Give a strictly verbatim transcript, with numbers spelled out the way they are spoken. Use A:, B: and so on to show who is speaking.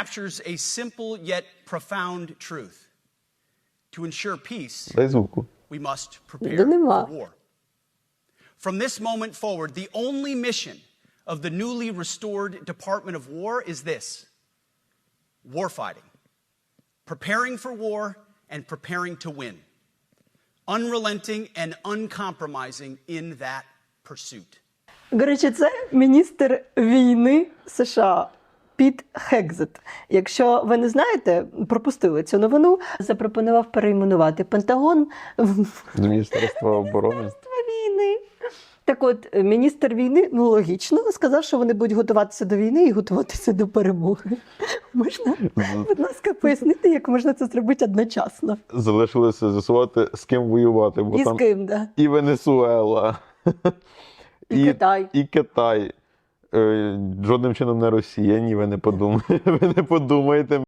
A: captures a simple yet profound truth. To ensure peace,
B: Дай звуку.
A: we must prepare
C: Да нема.
A: for war. From this moment forward, the only mission of the newly restored Department of War is this: warfighting, preparing for war and preparing to win, unrelenting and uncompromising in that pursuit.
C: До речі, це міністр війни США Піт Хекзет. Якщо ви не знаєте, пропустили цю новину, запропонував перейменувати Пентагон в
B: До Міністерства оборони.
C: Міністерство війни. Так от, міністр війни, ну логічно, сказав, що вони будуть готуватися до війни і готуватися до перемоги. Можна, будь ласка, пояснити, як можна це зробити одночасно?
B: Залишилося з'ясувати, з ким воювати, бо
C: І з
B: там
C: ким, да?
B: і Венесуела,
C: І Китай.
B: І Китай. Е, Жодним чином не Росія, ні, ви не подумаєте. Ви не подумаєте.